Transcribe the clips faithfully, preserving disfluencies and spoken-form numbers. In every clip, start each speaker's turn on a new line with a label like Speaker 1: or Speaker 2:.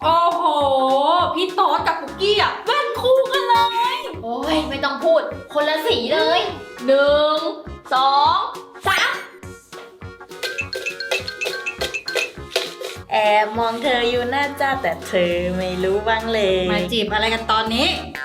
Speaker 1: โอ้โหพี่โต๊ดกับปุกกี้อ่ะแว่นคู่กันเลย
Speaker 2: โอ้ยไม่ต้องพูดคนละสีเลยหนึ่งสองสาม
Speaker 3: แอบมองเธออยู่หน้าจ้าแต่เธอไม่รู้บ้างเลย
Speaker 1: มาจีบอะไรกันตอนนี้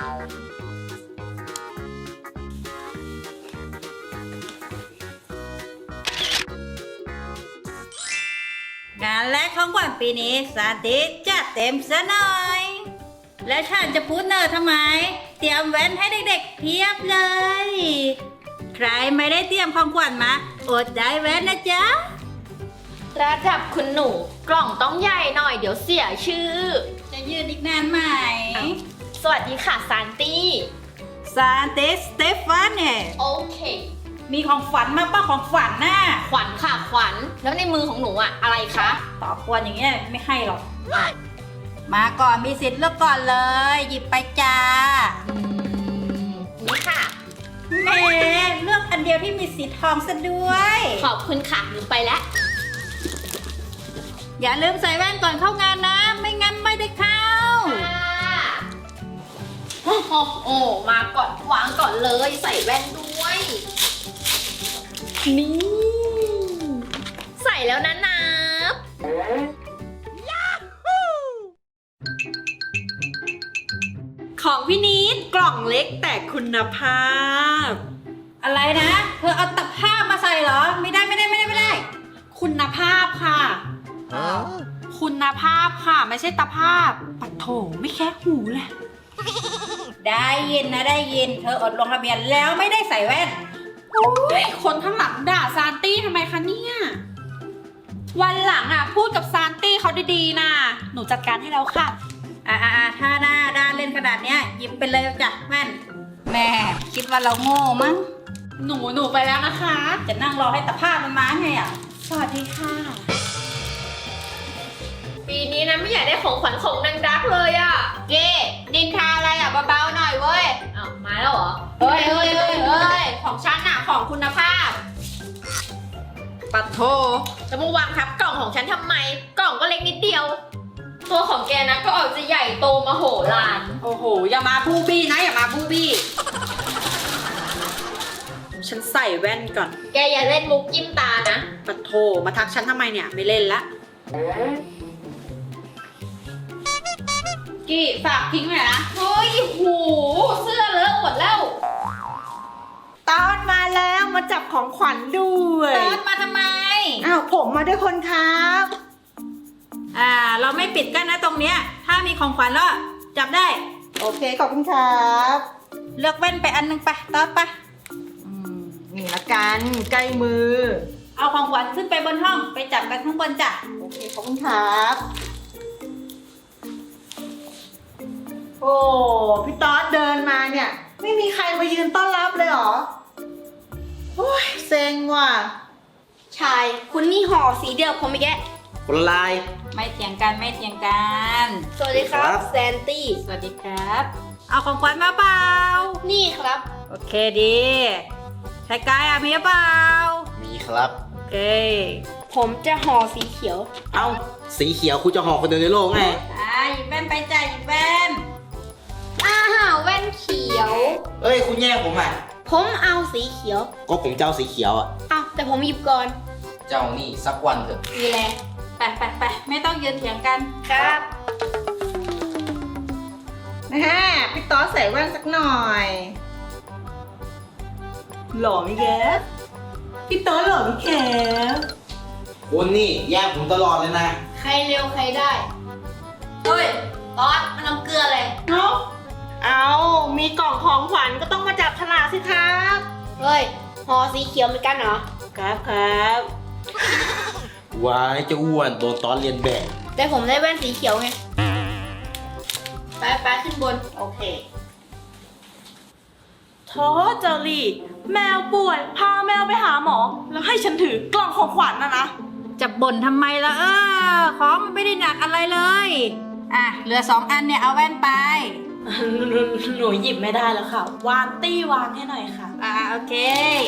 Speaker 1: งานแรกของขวัญปีนี้สาธิตจัดเต็มซะหน่อย และฉันจะพูดเนอร์ทำไม เตรียมแว่นให้เด็กๆเพียบเลย ใครไม่ได้เตรียมของขวัญมาอดได้แว่นนะจ๊ะ
Speaker 2: ระดับคุณหนูกล่องต้องใหญ่หน่อยเดี๋ยวเสียชื่อ
Speaker 1: จะยืนอีกนานไหม
Speaker 2: สวัสดีค่ะซานตี้
Speaker 1: ซานเตสเตฟานเนี่ย
Speaker 2: โอเค
Speaker 1: มีของฝันมาป้าของฝันน่ะ
Speaker 2: ขวัญค่ะขวัญแล้วในมือของหนูอะอะไรคะ
Speaker 1: ตอบกวนอย่างเงี้ยไม่ให้หรอก มาก่อนมีสิทธิ์เลือกก่อนเลย หยิบไปจ้า
Speaker 2: อืมนี่ค่ะ
Speaker 1: แหมเลือกอันเดียวที่มีสีทองซะด้วย
Speaker 2: ขอบคุณค่ะหนูไปแล้ว
Speaker 1: อย่าลืมใส่แว่นก่อนเข้างานนะ ไม่งั้นไม่ได้เข้า
Speaker 2: โอ้โหโอ้มาก่อนวางก่อนเลยใส่แว่นด้วย นี่ ใส่แล้วนะนับ
Speaker 3: ของพี่นิดกล่องเล็กแต่คุณภาพ
Speaker 1: อะไรนะ เธอเอาตะภาพมาใส่เหรอ ไม่ได้ไม่ได้ไม่ได้ไม่ได้
Speaker 3: คุณภาพค่ะ คุณภาพค่ะ ไม่ใช่ตาภาพปัดโถไม่แค่หูเลย
Speaker 1: ได้ยินนะได้ยิน เธออดลงทะเบียนแล้วไม่ได้ใส่แว่น
Speaker 3: โอ้ยคนข้างหลังด่าซานตี้ทำไมคะเนี่ย วันหลังอ่ะพูดกับซานตี้เขาดีๆนะหนูจัดการให้แล้วค่ะ
Speaker 1: อ่าถ้าหน้าด้านเล่นขนาดเนี้ยหยิบไปเลยจ้ะแว่นแม่คิดว่าเราโง่มั้ง
Speaker 3: หนูหนูไปแล้วนะคะ
Speaker 1: จะนั่งรอให้ตะภาพมันมาไงอ่ะ
Speaker 3: สวัสดีค่ะ
Speaker 2: ปีนี้นะไม่อยากได้ของขวัญของนางดักเลยอะเก้นินทาอะไรอะเบาๆหน่อยเว้ยอ้าวมาแล้วเหรอ เฮ้ยเฮ้ยเฮ้ยเฮ้ยของฉันอะของคุณภาพ
Speaker 3: ปัดโถ
Speaker 2: จะมาวางทับกล่องของฉันทำไม กล่องก็เล็กนิดเดียว ตัวของแกนะก็ออกจะใหญ่โตมโหฬาร
Speaker 3: โอ้โห อย่ามาบูบี้นะ อย่ามาบูบี้ ฉันใส่แว่นก่อน
Speaker 2: แกอย่าเล่นมุกจิ้มตานะ
Speaker 3: ปัดโถมาทักฉันทำไมเนี่ย ไม่เล่นละ
Speaker 1: กี้ฝากทิ้งหน่อยนะ
Speaker 2: เฮ้ยหูเสื้อเลอะหมดแล้ว
Speaker 3: ตอนมาแล้วมาจับของขวัญด้วย
Speaker 1: เติร์ดมาทำไม
Speaker 3: อ้าวผมมาด้วยคนครับ
Speaker 1: อ่า เราไม่ปิดกั้นนะตรงเนี้ย ถ้ามีของขวัญแล้วจับได้
Speaker 3: โอเคขอบคุณครับ
Speaker 1: เลือกแว่นไปอันหนึงไปเติร์ดไป
Speaker 3: อืมนี่ละกันใกล้มือ
Speaker 1: เอาของขวัญขึ้นไปบนห้องไปจับกันข้างบนจ้ะ
Speaker 3: โอเคขอบคุณครับ โอ้พี่ต๊อดเดินมาเนี่ย ไม่มีใครมายืนต้อนรับเลยเหรอโอ้ยเซ็งว่ะ
Speaker 2: ชาย คุณนี่ห่อสีเดียวผมอีกแก
Speaker 4: คนละลาย
Speaker 1: ไม่เถียงกันไม่เถียงกัน
Speaker 2: สวัสดีครั
Speaker 4: ครับ บ
Speaker 2: แซนตี้
Speaker 1: สวัสดีครับ เอาของขวัญมาเปล่า
Speaker 2: นี่ครับ
Speaker 1: โอเคดีชายกายอะมีหรือเปล่า
Speaker 4: มีครับ
Speaker 1: โอเค
Speaker 2: ผมจะห่อสีเขียว
Speaker 4: เอ้า สีเขียวคุณจะห่อคนเดียวในโลกไง
Speaker 1: อ่าหยิบแว่นไปจ้ะหยิบแว่น
Speaker 2: อ้าวแว่นเขียว
Speaker 4: เอ้ย คุณแย่งผมอ่ะ
Speaker 2: ผมเอาสีเขียว
Speaker 4: ก็ผมเจ้าสีเขียวอ่ะ
Speaker 2: อ้าวแต่ผมหยิบก่อน
Speaker 4: เจ้านี่สักวันเถอะ
Speaker 2: มีแล
Speaker 1: ไปไปไปไม่ต้องยืนเถียงกัน
Speaker 2: ครับ
Speaker 3: นะฮะพี่ต๊อดใส่แว่นสักหน่อย หล่อไหมแกพี่ต๊อดหล่อไหมแก
Speaker 4: คุณนี่แย่งผมตลอดเลยนะ
Speaker 2: ใครเร็วใครได้ เฮ้ยตอดมันน้ำเกลือเลย
Speaker 3: เนาะเอามีกล่องของขวัญก็ต้องมาจับฉลากสิครับ
Speaker 2: เฮ้ยห่อสีเขียวเหมือนกันเหรอ
Speaker 3: ครับครับ
Speaker 4: วายเจะอ้วนโดนตอนเรียนแบบ
Speaker 2: แต่ผมได้แว่นสีเขียวไง ไปไปขึ้นบน
Speaker 1: โอเค
Speaker 3: โทษเจอรี่แมวป่วย พาแมวไปหาหมอ แล้วให้ฉันถือกล่องของขวัญนะนะ
Speaker 1: จะบ่นทำไมล่ะเออของมันไม่ได้หนักอะไรเลย อ่ะเหลือสองอันเนี่ยเอาแว่นไป
Speaker 3: หนูหนูหยิบไม่ได้แล้วค่ะ วานตี้วางให้หน่อยค่ะ
Speaker 1: อ่าโอเค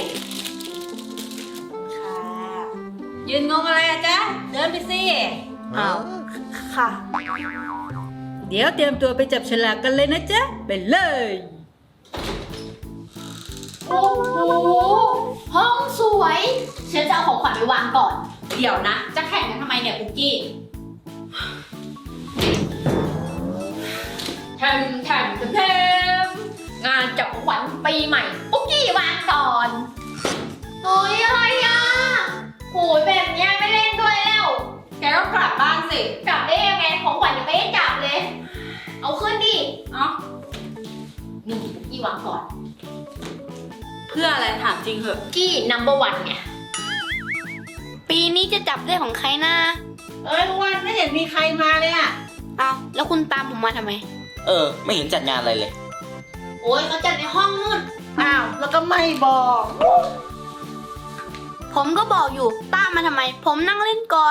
Speaker 1: ค่ะ ยืนงงอะไรอะจ๊ะ เดินไปสิ
Speaker 3: อ้าว ค่ะ
Speaker 1: เดี๋ยวเตรียมตัวไปจับฉลากกันเลยนะจ๊ะ ไปเลย
Speaker 2: โอ้โห ห้องสวยฉันจะเอาของขวัญไปวางก่อน
Speaker 3: เดี๋ยวนะ จะแข่งกันทำไมเนี่ยปุกกี้แข่งแข่งแข่ง
Speaker 2: งานจับของขวัญปีใหม่ปุ๊กกี้วางก่อนเฮ้ยอะไรอ่ะโหยแบบเนี้ยไม่เล่นด้วยแล้ว
Speaker 3: แกก็กลับบ้านสิ
Speaker 2: กลับได้ยังไงของขวัญยังไม่ได้จับเลย เอาขึ้นดิ
Speaker 3: เอ้า
Speaker 2: นี่ปุ๊กกี้วางก่อน
Speaker 3: เพื่ออะไรถามจริงเหอะ
Speaker 2: กี้ number one ไง
Speaker 5: ปีนี้จะจับได้ของใครนะ
Speaker 6: เอ้ยวันไม่เห็นมีใครมาเลยอ่ะ
Speaker 5: เอาแล้วคุณตามผมมาทำไม
Speaker 4: เออ ไม่เห็นจัดงานอะไรเลย
Speaker 2: โอ้ยเขาจัดในห้องนู่น
Speaker 6: อ้าว แล้วก็ไม่บอก
Speaker 5: ผมก็บอกอยู่ตามมาทำไม ผมนั่งเล่นก่อน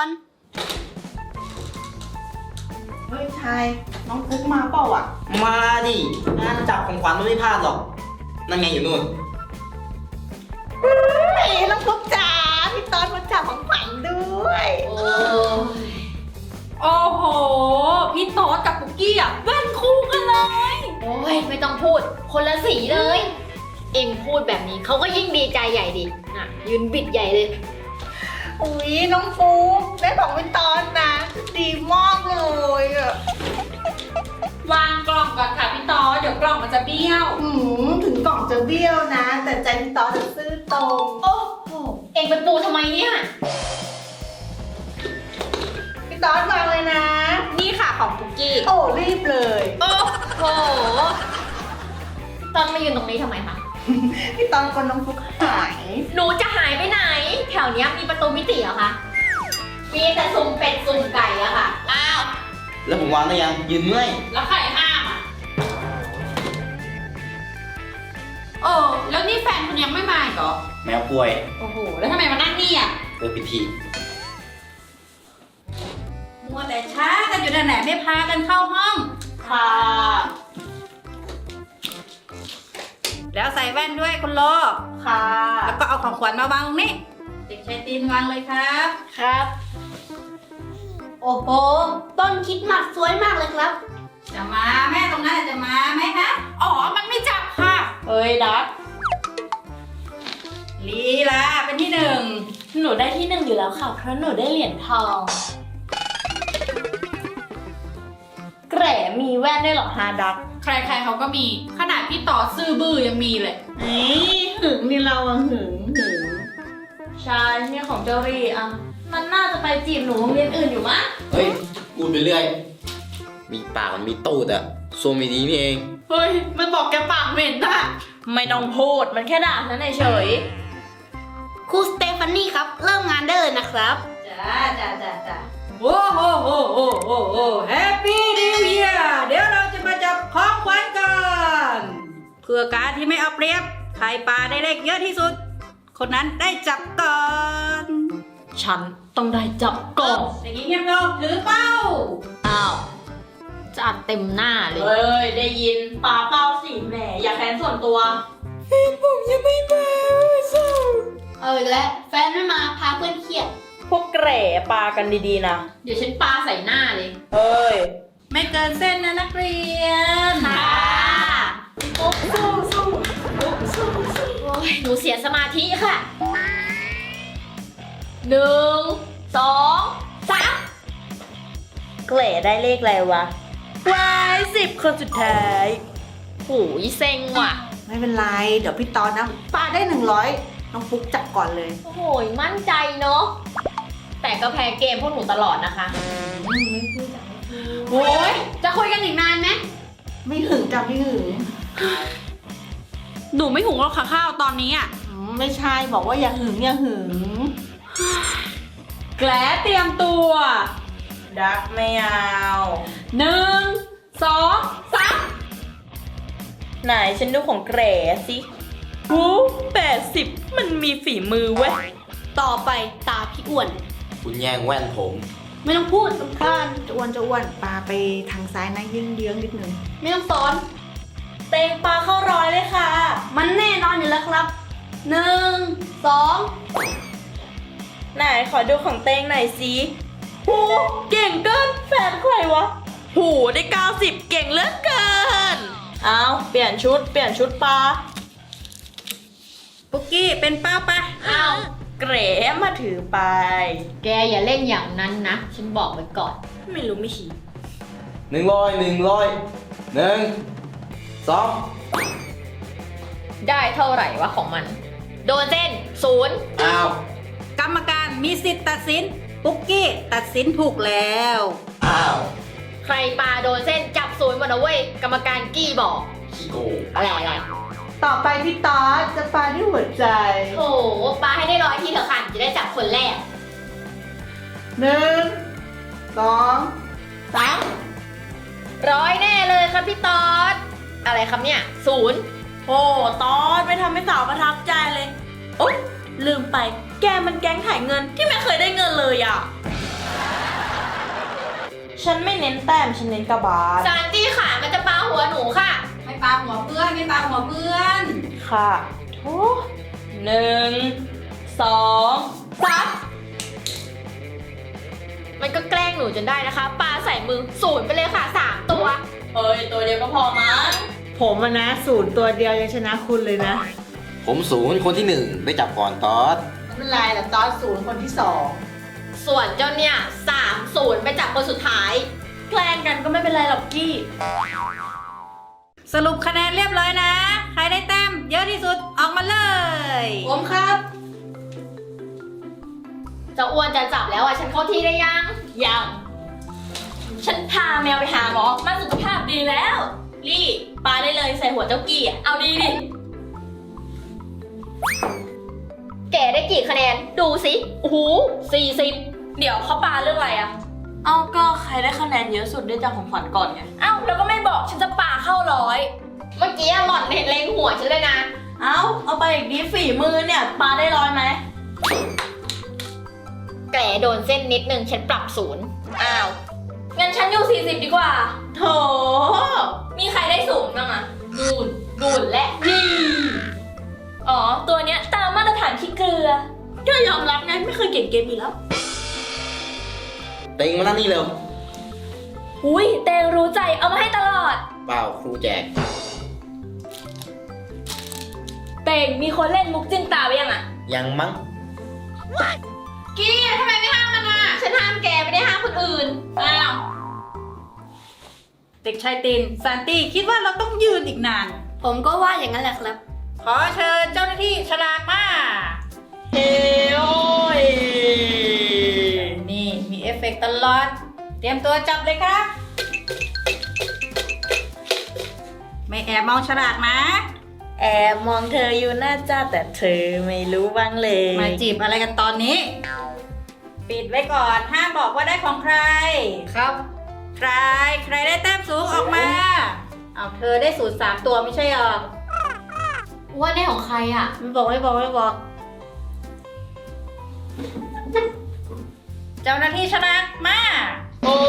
Speaker 6: เฮ้ยชายน้องฟุกมาเปล่าอ่ะ
Speaker 4: มาดิ งานจับของขวัญมันไม่พลาดหรอก นั่นไงอยู่นู่น
Speaker 6: เฮ้ยน้องฟุกจ๋าพี่ตอนมาจับของขวัญด้วย
Speaker 2: โอ้ย
Speaker 3: โอ้โห พี่โต๊ดกับปุกกี้อ่ะแว่นคู่กันเลย
Speaker 2: โอ้ยไม่ต้องพูด คนละสีเลย เอ็งพูดแบบนี้เขาก็ยิ่งดีใจใหญ่ดิน่ะยืนบิดใหญ่เลย
Speaker 6: อุ้ยน้องฟุกได้ของพี่ตอนนะ ดีมากเลยอ่ะ
Speaker 3: วางกล่องก่อนค่ะพี่โต๊ดเดี๋ยวกล่องมันจะเบี้ยว
Speaker 6: อืมถึงกล่องจะเบี้ยวนะ แต่ใจพี่ตอนจะซื่อตรง
Speaker 2: โอ้โหเอ็งไปปูทำไมเนี่ย
Speaker 6: พี่ตอนวางเลยนะ
Speaker 3: นี่ค่ะของปุกกี้
Speaker 6: โอ้รีบเลย
Speaker 2: โอ้โหตอนมายืนตรงนี้ทำไมคะ
Speaker 6: พี่ตอนคนน้องฟุกหาย
Speaker 2: หนูจะหายไปไหน แถวเนี้ยมีประตูมิติเหรอคะ มีแต่ซุ่มเป็ดซุ่มไก่อะค่ะ อ้าว
Speaker 4: แล้วผมวางได้ยัง ยืนเมื่อย
Speaker 3: แล้วใครห้ามอ่ะโอ้แล้วนี่แฟนคุณยังไม่มาอีกเหรอ
Speaker 4: แมวป่วย
Speaker 3: โอ้โห แล้วทำไมมานั่งนี่อ่ะ
Speaker 4: เปิดพิธี
Speaker 1: มัวแต่ช้ากันอยู่นั่นแหละไม่พากันเข้าห้อง
Speaker 6: ค่ะ
Speaker 1: แล้วใส่แว่นด้วยคุณโล
Speaker 6: ค่ะ
Speaker 1: แล้วก็เอาของขวัญมาวางตรงนี้ เด็กชายตีนวางเลยครับ
Speaker 5: ครับ โอ้โห ต้นคริดมัดสวยมากเลยครับ
Speaker 1: จะมาแม่ตรงนั้นจะมาไหมคะ
Speaker 3: อ๋อ มันไม่จับค่ะ
Speaker 6: เฮ้ยดัก
Speaker 1: ลีลาเป็นที่หนึ่ง
Speaker 2: หนูได้ที่หนึ่งอยู่แล้วค่ะ เพราะหนูได้เหรียญทอง แกรมีแว่นได้หรอฮาดัก
Speaker 3: ใครๆเขาก็มี ขนาดพี่ต่อซื่อบื้อยังมีเลย
Speaker 6: เอ้ยหึงนี่เราอะหึงหึง
Speaker 2: ใช่เนี่ยของเจอรี่อ่ะ มันน่าจะไปจีบหนูโรงเรียนอื่นอยู่มั้ง
Speaker 4: เฮ้ยพูดไปเรื่อย มีปากมันมีตูดอะโซมีดีนี่เอง
Speaker 3: เฮ้ย มันบอกแกปากเหม็นอะ
Speaker 2: ไม่ต้องพูด มันแค่ด่าฉันเฉย
Speaker 5: ครูสเตฟานี่ครับ เริ่มงานได้เลยนะครับ
Speaker 1: จ้าจ้าจ้าจ้าโอ้โหโอ้โหโอ้โหแฮปปี้นิวเยียร์เดี๋ยวเราจะมาจับของขวัญกันเพื่อการที่ไม่เอาเปรียบใครปาได้เลขเยอะที่สุด คนนั้นได้จับก่อน
Speaker 2: ๆ ฉันต้องได้จับก่อน
Speaker 1: อย่างนี้เงียบลงถือเป้า
Speaker 2: อ้าวจะอัดเต็มหน้าเลย
Speaker 3: เฮ้ย ได้ยินปาเป้าสิแหมอย่าแค้นส่วนตัว
Speaker 5: เออและแฟนไม่มาพาเพื่อนเครียด
Speaker 6: พวกแกร่ปากันดีๆนะ
Speaker 2: เดี๋ยวฉันปาใส่หน้าเลย
Speaker 6: เฮ้ย
Speaker 1: ไม่เกินเส้นนะนักเรียน
Speaker 2: ค่ะโอ้สู้สู้สู้สู้โอ้ยหนูเสียสมาธิค่ะ หนึ่ง สอง สาม
Speaker 6: แกร่ได้เลขอะไรวะวายสิบคนสุดท้าย
Speaker 2: หูยเซ็งว่ะ
Speaker 6: ไม่เป็นไร เดี๋ยวพี่ตอนนะปาได้หนึ่งร้อยน้องฟุกจับก่อนเลย
Speaker 2: โอ้โหยมั่นใจเนาะ แต่ก็แพ้เกมพวกหนูตลอดนะคะ
Speaker 3: โอ้ย จะคุยกันอีกนานไหม
Speaker 6: ไม่หึงจ้ะไม่หึง
Speaker 3: หนูไม่หุงหรอกค่ะข้าวตอนนี้อ่ะ
Speaker 6: อืมไม่ใช่บอกว่าอย่าหึงอย่าหึง
Speaker 3: แกลเตรียมตัว
Speaker 6: ดักไม่เอา
Speaker 3: หนึ่ง สองสาม
Speaker 6: ไหนฉันดูของแกร่สิโอ้แปดสิบมันมีฝีมือเว้ย
Speaker 5: ต่อไปตาพี่อ้วน
Speaker 4: คุณแย่งแว่นผม
Speaker 5: ไม่ต้องพูด
Speaker 6: บ้านจะอ้วนจะอ้วนปาไปทางซ้ายนะยื่นเยื้องนิดนึง
Speaker 5: ไม่ต้องสอน
Speaker 6: เตงปลาเข้าร้อยเลยค่ะ
Speaker 5: มันแน่นอนอยู่แล้วครับ หนึ่ง สอง
Speaker 6: ไหนขอดูของเตงหน่อยสิโอ้เก่งเกินแฟนใครวะ
Speaker 5: ห
Speaker 6: หูได้เก้าสิบเก่งเหลือเกิน เอาเปลี่ยนชุด เปลี่ยนชุดปลา
Speaker 1: ปุกกี้เป็นเป้าปะ
Speaker 2: เอา
Speaker 6: เกรมาถือไป
Speaker 2: แกอย่าเล่นอย่างนั้นนะ ฉันบอกไว้ก่อน
Speaker 6: ไม่รู้ไม่ชี้
Speaker 4: หนึ่งร้อยหนึ่งร้อยหนึ่งสอง
Speaker 2: ได้เท่าไหร่วะของมัน โดนเส้นศูนย์
Speaker 4: อ้าว
Speaker 1: กรรมการมีสิทธิ์ตัดสิน ปุกกี้ตัดสินถูกแล้ว
Speaker 4: อ้าว
Speaker 2: ใครปาโดนเส้นจับศูนย์หมดนะเว้ย กรรมการกี้บอก
Speaker 4: ขี้โกง
Speaker 2: อะไรอะไร
Speaker 6: ต่อไปพี่ตอสจะปาด้วยหัวใจ
Speaker 2: โถปาให้ได้ร้อยทีเถอะค่ะจะได้จับคนแรก
Speaker 6: หนึ่ง สอง
Speaker 2: สามร้อยแน่เลยครับพี่ตอดอะไรครับเนี่ยศูนย์
Speaker 6: โอ้ตอสไม่ทำให้สาวประทับใจเลย โอ๊ยลืมไป แกมันแก๊งถ่ายเงินที่ไม่เคยได้เงินเลยอ่ะ ฉันไม่เน้นแต้ม ฉันเน้นกระบาล
Speaker 2: ซานตี้ขามันจะปาหัวหนูค่ะ
Speaker 1: ไม่ปาหัวเพื่อน ไม่ปาหัวเพื่อน
Speaker 6: ค่ะโถหนึ่ง สองสาม
Speaker 2: มันก็แกล้งหนูจนได้นะคะปาใส่มือศูนย์ไปเลยค่ะสามตัว
Speaker 6: เฮ้ย ตัวเดียวก็พอมั้ง
Speaker 7: ผมอะนะศูนย์ตัวเดียวยังชนะคุณเลยนะ
Speaker 4: ผมศูนย์คนที่หนึ่งได้จับก่อนตอส
Speaker 7: ไม่เป็นไรแต่ตอนศูนย์คนที่สอง
Speaker 2: ส่วนเจ้าเนี่ยสามศูนย์ไปจับคนสุดท้าย
Speaker 6: แกล้งกันก็ไม่เป็นไรหรอกกี้
Speaker 1: สรุปคะแนนเรียบร้อยนะ ใครได้แต้มเยอะที่สุดออกมาเลย
Speaker 6: ผมครับ
Speaker 2: จะอ้วนจะจับแล้วอ่ะฉันเข้าที่ได้ยัง
Speaker 6: ยัง ฉันพาแมวไปหาหมอมาสุขภาพดีแล้ว ลี่ปาได้เลยใส่หัวเจ้ากี้อะเอาดีดิ
Speaker 2: แกได้กี่คะแนนดูสิโอ้โหสี่สิบ
Speaker 6: เดี๋ยวเขาปาเรื่องอะไรอะเอ้าก็ใครได้คะแนนเยอะสุดได้จากของขวัญก่อนไง เอ้าแล้วก็ไม่บอกฉันจะปาเข้าร้อย
Speaker 2: เมื่อกี้หล่อนเห็นเล็งหัวฉันเลยนะ
Speaker 6: เอ้าเอาไปอีกดีฝีมือเนี่ยปาได้ร้อยไหม
Speaker 2: แกโดนเส้นนิดนึงฉันปรับศูนย์
Speaker 6: อ้าว งั้นฉันอยู่สี่สิบดีกว่า โถ มีใครได้สูงบ้างอะ
Speaker 2: นูนนูนและ
Speaker 6: นี่อ๋อ ตัวเนี้ยตามมาตรฐานขี้เกลือ ก็ยอมรับไงไม่เคยเก่งเกมนี้แล้ว
Speaker 4: เต็งมานั่งนี่เร็ว
Speaker 6: อุ้ยเตงรู้ใจเอามาให้ตลอด
Speaker 4: เปล่าครูแจก
Speaker 6: เตงมีคนเล่นมุกจิ้มตาไปยังอะ
Speaker 4: ยังมั้ง
Speaker 2: กี้ทำไมไม่ห้ามมันอ่ะ ฉันห้ามแกไม่ได้ห้ามคนอื่น
Speaker 6: อ้าว
Speaker 1: เด็กชายตินซานตี้คิดว่าเราต้องยืนอีกนาน
Speaker 5: ผมก็ว่าอย่างนั้นแหละครับ
Speaker 1: ขอเชิญเจ้าหน้าที่ฉลากมา
Speaker 6: เฮ้โอ้ย
Speaker 1: นี่มีเอฟเฟกต์ตลอด เตรียมตัวจับเลยครับ ไม่แอบมองฉลากนะ
Speaker 6: แอบมองเธออยู่หน้าจ้าแต่เธอไม่รู้บ้างเลย
Speaker 1: มาจีบอะไรกันตอนนี้ ปิดไว้ก่อนห้ามบอกว่าได้ของใคร
Speaker 2: ครับ
Speaker 1: ใคร ใครได้แต้มสูงออกมา เอาเธอได้สูตรสามตัวไม่ใช่หรอ
Speaker 2: ว่าได้ของใครอ่ะ
Speaker 1: ไม่บอกไม่บอกไม่บอก เจ้าหน้าที่ฉลากมา
Speaker 6: โอ้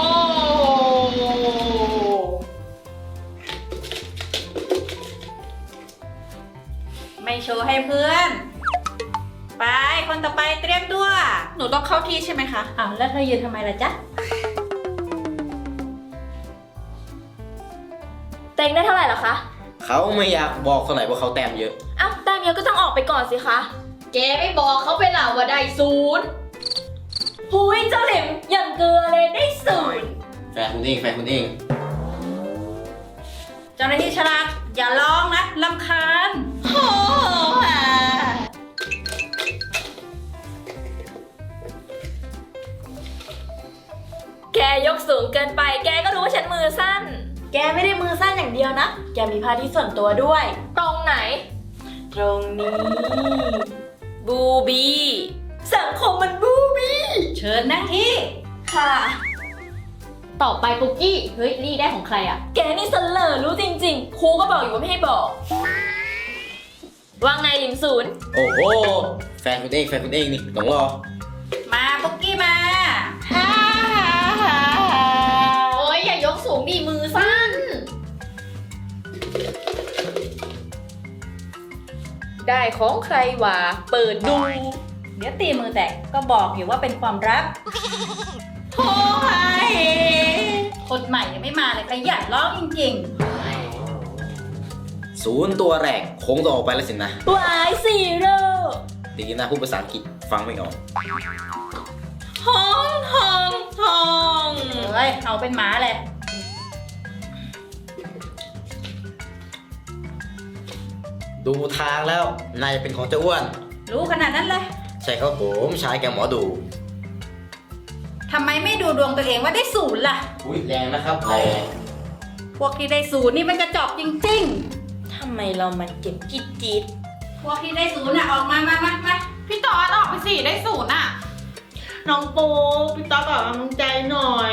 Speaker 1: ไม่โชว์ให้เพื่อน ไปคนต่อไปเตรียมตัว
Speaker 3: หนูต้องเข้าที่ใช่ไหมคะ
Speaker 1: อ้าวแล้วเธอยืนทำไมล่ะจ๊ะ
Speaker 6: เตงได้เท่าไหร่เหรอคะ
Speaker 4: เขาไม่อยากบอกเท่าไหร่ว่าเขาแต้มเยอะ
Speaker 6: อ้าวแต้มเยอะก็ต้องออกไปก่อนสิคะ
Speaker 2: แกไม่บอกเขาไปล่ะว่าได้ศูนย์
Speaker 6: หุยเจ้าเหลิมอย่างเกลือเลยได้ศูนย์
Speaker 4: แฟนคุณเองแฟนคุณเอง
Speaker 1: เจ้าหน้าที่ฉลากอย่าร้องนะรำคาญ
Speaker 6: โอ้โหแกยกสูงเกินไป แกก็รู้ว่าฉันมือสั้น แกไม่ได้มือสั้นอย่างเดียวนะ แกมีพาที่ส่วนตัวด้วย
Speaker 2: ตรงไหน
Speaker 6: ตรงนี้ บูบี้ สังคมมันบูบี้
Speaker 1: เชิญนั่งที่
Speaker 6: ค่ะ
Speaker 2: ต่อไปปุกกี้ เฮ้ย นี่ได้ของใครอ่ะ
Speaker 6: แกนี่เสลอรู้จริงๆ ครูก็บอกอยู่ว่าไม่ให้บอก ว่าไงลิมศูนย์
Speaker 4: โอ้โห แฟนคุณเองแฟนคุณเองนี่ต้องรอ
Speaker 1: มาปุ๊กกี้มา
Speaker 2: โอ้ยอย่ายกสูงดีมือสั้น
Speaker 6: ได้ของใครวะ เปิดดู
Speaker 1: เดี๋ยวตีมือแตกก็บอกอยู่ว่าเป็นความลับ
Speaker 6: โอ้ย
Speaker 1: คนใหม่ยังไม่มาเลยขยันร้องจริง
Speaker 4: ศูนย์ตัวแรกคงต้องออกไปแล้วสินะ
Speaker 6: วายซีโร่
Speaker 4: ดีนะพูดภาษาอังกฤษฟังไม่ออก
Speaker 6: ห้องห้องห้อง
Speaker 1: ๆเฮ้ยเอาเป็นหมาเลย
Speaker 4: ดูทางแล้วนายจะเป็นของเจ้าอ้วน
Speaker 1: รู้ขนาดนั้นเลย
Speaker 4: ใช่ครับผมชายแกหมอดู
Speaker 1: ทำไมไม่ดูดวงตัวเองว่าได้ศูนย์ล่ะ
Speaker 4: อุ้ยแรงนะครับแรง
Speaker 1: พวกที่ได้ศูนย์นี่มันกระจอกจริง
Speaker 6: ทำไมเรามันเก็บกิ๊ดจิต
Speaker 1: ๆ พวกที่ได้ศูนย์น่ะออกมามามามา
Speaker 3: พี่ตอดออกไปสิได้ศูนย์อ่ะ
Speaker 7: น้องปูพี่ต๊อกออกกำลังใจหน่อย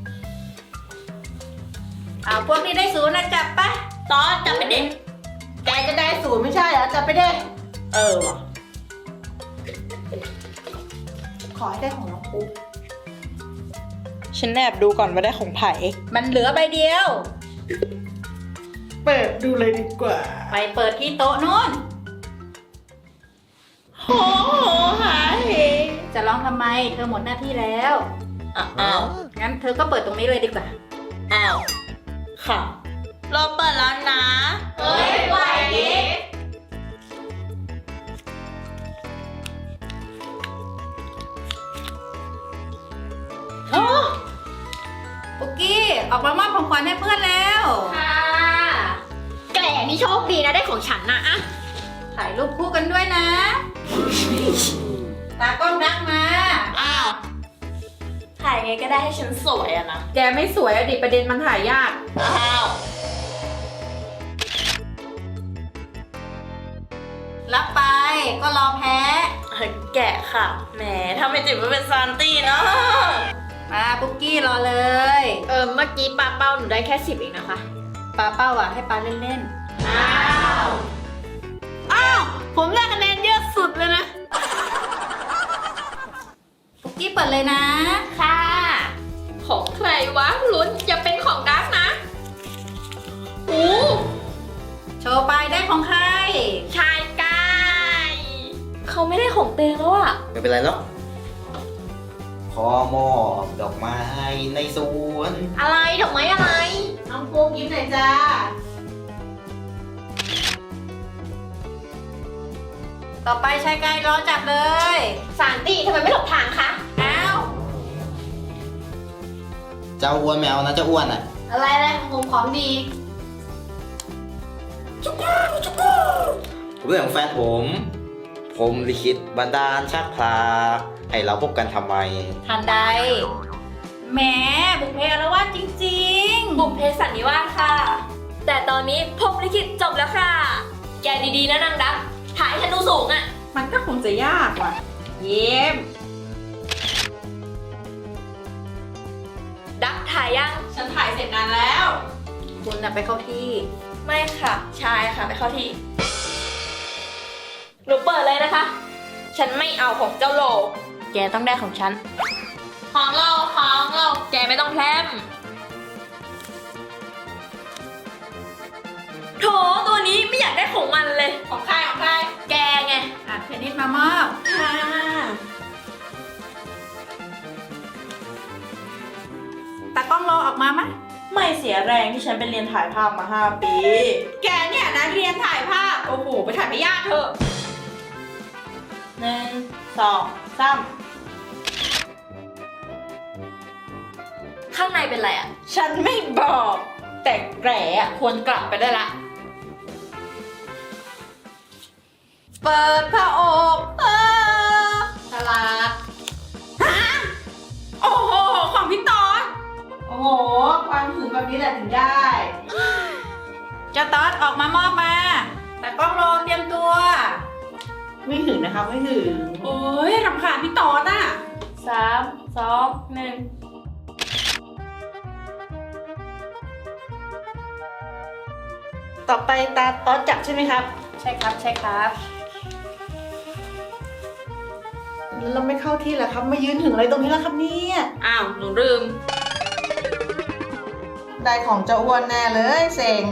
Speaker 1: เอาพวกที่ได้ศูนย์น่ะจับไป
Speaker 6: ตอนจับไปเด็ก
Speaker 7: แกจะได้ศูนย์ไม่ใช่เหรอจะไปได้
Speaker 6: เออว่ะ
Speaker 7: ขอให้ได้ของน้องปู
Speaker 8: ฉันแอบดูก่อนว่าได้ของไผ่
Speaker 1: มันเหลือใบเดียว
Speaker 7: เปิดดูเลยดีกว่า
Speaker 1: ไปเปิดที่โต๊ะนู้น
Speaker 7: โหหาเฮ
Speaker 1: จะร้องทำไม เธอหมดหน้าที่แล้ว
Speaker 6: อ้าว
Speaker 1: งั้นเธอก็เปิดตรงนี้เลยดีกว่า
Speaker 6: อ้าวค่ะ เราเปิดแล้วนะ
Speaker 2: เฮ้ยไหวดิ
Speaker 1: ปุกกี้ ออกมามอบของขวัญให้เพื่อนแล้ว
Speaker 2: ค่ะแกนี่โชคดีนะได้ของฉันนะอะ
Speaker 1: ถ่ายรูปคู่กันด้วยนะ ตากล้องดักมา
Speaker 6: อ้าวถ่ายไงก็ได้ให้ฉันสวยอะนะ
Speaker 3: แกไม่สวยอะดิประเด็นมันถ่ายยาก
Speaker 6: อ้าว
Speaker 1: รับไปก็รอแพ้
Speaker 6: แกะค่ะ แหมถ้าไม่จิบว่าเป็นซานตี้เนาะ
Speaker 1: มาปุกกี้รอเลย
Speaker 2: เออเมื่อกี้ปลาเป้าหนูได้แค่สิบเองนะคะ
Speaker 1: ปาเป้าอ่ะให้ปาเล่น
Speaker 2: อ้าว อ้าว ผมได้คะแนนเยอะสุดเลยนะ
Speaker 1: ๆปุกกี้เปิดเลยนะ
Speaker 2: ค่ะ ของใครวะลุ้นอย่าเป็นของดักนะโอ้
Speaker 1: โชว์ไปได้ของใคร
Speaker 2: ชายกาย
Speaker 6: เขาไม่ได้ของเตงแล้วอะ
Speaker 4: ไม่เป็นไรหรอกขอมอบดอกไม้ในสวน
Speaker 2: อะไรดอกไม้อะไร
Speaker 7: น้องปูยิ้มหน่อยจ้า
Speaker 1: ต่อไปชายกายรอจับเลย
Speaker 2: สารตีทำไมไม่หลบทางคะ
Speaker 1: อ้าว
Speaker 4: เจ้าอ้วนไม่เอานะเจ้าอ้วนอ่ะ
Speaker 2: อะไรอะไรผมของดี
Speaker 4: เรื่องของแฟนผม ผมลิขิตบันดาลชักพลาให้เราพบกันทำไม
Speaker 1: ทันใดแหมบุพเพอารวาสจริง
Speaker 6: บุพเพสันนิวาสค่ะ แต่ตอนนี้พรหมลิขิตจบแล้วค่ะ แกดีๆนะนางดักถ่ายให้ฉันดูสูงอะ
Speaker 3: มันก็คงจะยากว่ะ เยี่ยม
Speaker 6: ดักถ่ายยัง
Speaker 3: ฉันถ่ายเสร็จนานแล้ว
Speaker 1: ๆ คุณน่ะไปเข้าที่
Speaker 6: ไม่ค่ะ ชายค่ะไปเข้าที่ หนูเปิดเลยนะคะ ฉันไม่เอาของเจ้าโล แกต้องได้ของฉัน ของเราของเรา แกไม่ต้องแพรมโถตัวนี้ไม่อยากได้ของมันเลย
Speaker 3: ของใครของใคร
Speaker 6: แกไง
Speaker 1: อ่ะเทนนิสมามอบ
Speaker 3: ค่ะ
Speaker 1: ตากล้องรอออกมามะ
Speaker 8: ไม่เสียแรงที่ฉันไปเรียนถ่ายภาพมาห้าปี
Speaker 3: แกเนี่ยนะเรียนถ่ายภาพ โอ้โห ไปถ่ายไม่ยากเถอะ
Speaker 8: หนึ่งสองสาม
Speaker 6: ข้างในเป็นอะไรอะ
Speaker 8: ฉันไม่บอก แต่แกรอะควรกลับไปได้ละ
Speaker 1: เปิดผ้าอกเออตลาด
Speaker 3: โอ้โห ของพี่ตอน
Speaker 7: โอ้โห ความถึงแบบนี้แหละถึงได้
Speaker 1: เจ้าตอดออกมามอบมา ตากล้องรอเตรียมตัว
Speaker 7: ไม่ถึงนะคะไม่ถึง
Speaker 3: โอ้ยรำคาญพี่ตอนอ่ะ
Speaker 6: สามสองหนึ่ง
Speaker 8: ต่อไปตาต๊อดจับใช่ไหมครับ
Speaker 1: ใช่ครับใช่ครับ
Speaker 7: แล้วเราไม่เข้าที่เหรอครับ มายืนถึงอะไรตรงนี้แล้วครับเนี่ย
Speaker 3: อ้าว หนูลืม
Speaker 7: ได้ของเจ้าอ้วนแน่เลยเซ็ง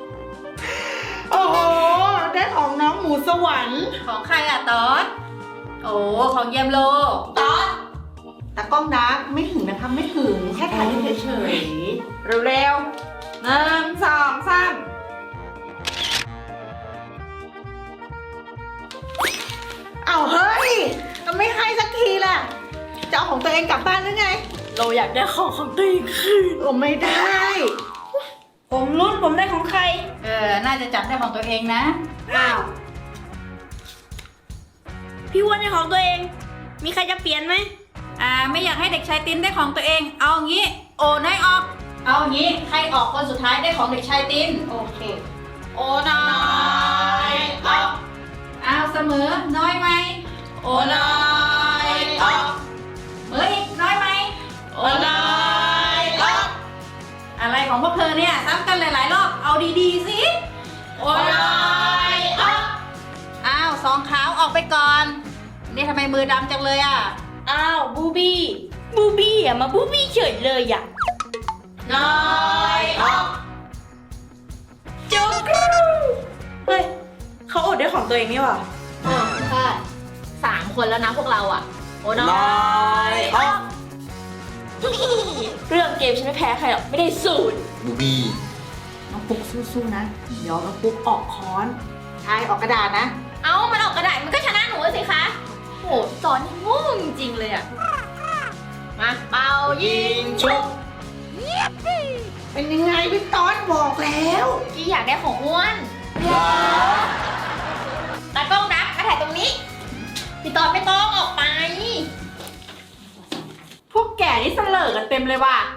Speaker 7: โอ้โห ได้ของน้องหมูสวรรค์
Speaker 1: ของใครอ่ะตอดโอ้ของเยี่ยมโล
Speaker 7: ตอนตากล้องดักไม่หึงนะคะไม่หึงแค่ถ่ายเฉย
Speaker 8: เร็วๆหนึ่งสองสาม
Speaker 7: ๆเอาเฮ้ยไม่ให้สักทีล่ะจะเอาของตัวเองกลับบ้านหรือไง
Speaker 6: เราอยากได้ของของตัวเองคืน
Speaker 7: โอ้ไม่ได้
Speaker 5: ผมรุ่นผมได้ของใคร
Speaker 1: เออ น่าจะจับได้ของตัวเองนะ
Speaker 5: อ้าว พี่อ้วนได้ของตัวเอง มีใครจะเปลี่ยนไหม
Speaker 1: อ่า ไม่อยากให้เด็กชายตินได้ของตัวเอง เอางี้ โอนให้ออก เอางี้ ใครออกคนสุดท้ายได้ของเด็กชายติน
Speaker 7: โอเค
Speaker 3: โอ้น้อยออก
Speaker 1: เอาเสมอ น้อยไหม
Speaker 3: โอ้น้อยออก
Speaker 1: เมื่ออีกน้อยไหม
Speaker 3: โอ้น้อยออก
Speaker 1: อะไรของพวกเธอเนี่ยซ้ำกันหลายๆรอบ เอาดีๆสิ
Speaker 3: โอ้น้อยออก
Speaker 1: อ้าวสองขาวออกไปก่อน นี่ทำไมมือดำจังเลยอ่ะ
Speaker 5: อ้าวบูบี้บูบี้อ่ะมาบูบี้เฉยเลยอ่ะ
Speaker 3: น้อยออก
Speaker 5: จุกรูเฮ้ยเขาอดได้ของตัวเองนี่หว่า
Speaker 2: อ๋อใช่สามคนแล้วนะพวกเราอ่ะ โอ้น้
Speaker 4: น้
Speaker 2: อ
Speaker 4: อย ยออก
Speaker 6: เรื่องเกมฉันไม่แพ้ใครหรอก ไม่ได้สูตร
Speaker 4: บูบี้
Speaker 7: น้องปุ๊กสู้ๆนะ เดี๋ยวน้องปุ๊กออกค้อนใช่ออกกระดาษนะ
Speaker 2: เอ้า มันออกกระดาษมันก็ชนะหนูสิคะ โหสอนนี่โง่จริงๆเลยอ่ะ มาเป่ายิง
Speaker 4: ชุบ
Speaker 7: เป็นยังไงพี่ตอนบอกแล้ว
Speaker 2: กี้อยากได้ของอ้วนตากล้องดักมาถ่ายตรงนี้ พี่ตอนไม่ต้องออกไป
Speaker 3: พวกแก่นี่เสลอกันเต็มเลยว่ะ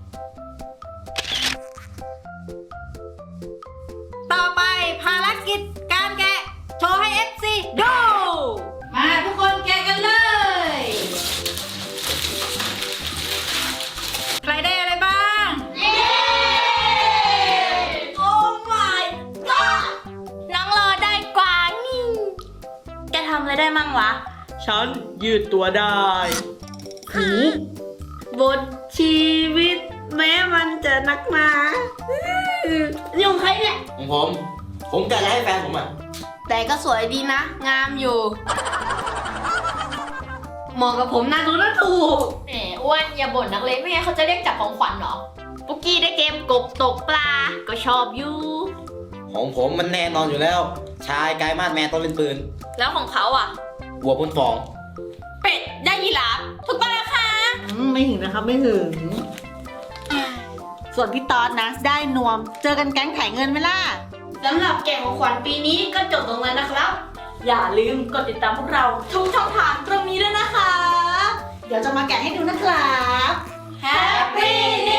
Speaker 1: ต่อไปภารกิจการแกะ โชว์ให้ เอฟ ซี ดู มาทุกคนแกะกันเลย ใครได้อะไรบ้าง
Speaker 6: โอ้ my god น้องรอได้กว่านี่ แกทำอะไรได้มั่งวะ
Speaker 8: ฉันยืดตัวได้
Speaker 5: บทชีวิต แม้มันจะนักหนานี่ของใครเนี่ย
Speaker 4: ของผม ผมแกะแล้วให้แฟนผมอ่ะ
Speaker 5: แต่ก็สวยดีนะ งามอยู่ เหมาะกับผมนะดูนะถูก
Speaker 2: แหมอ้วนอย่าบ่นนักเลยไม่งั้นเขาจะเรียกจับของขวัญเหรอ ปุกกี้ได้เกมกบตกปลา ก็ชอบอยู่
Speaker 4: ของผมมันแน่นอนอยู่แล้ว ชายกายมาดแมนต้องเป็นปืน
Speaker 6: แล้วของเขาอ่ะ
Speaker 4: วัวบนฟอง
Speaker 3: เป็ดย่างยีราฟถูกต้องแล้วค่ะ
Speaker 7: อืมไม่หึงนะครับไม่หึง ส่วนพี่ตอนนะ ได้นวม เจอกันแก๊งถ่ายเงินไหมล่ะ
Speaker 5: สำหรับแกะของขวัญปีนี้ก็จบตรงนั้นนะครับ
Speaker 6: อย่าลืมกดติดตามพวกเรา ทุกช่องทางตรงนี้ด้วยนะคะ
Speaker 7: เดี๋ยวจะมาแกะให้ดูนะครับ
Speaker 6: Happy New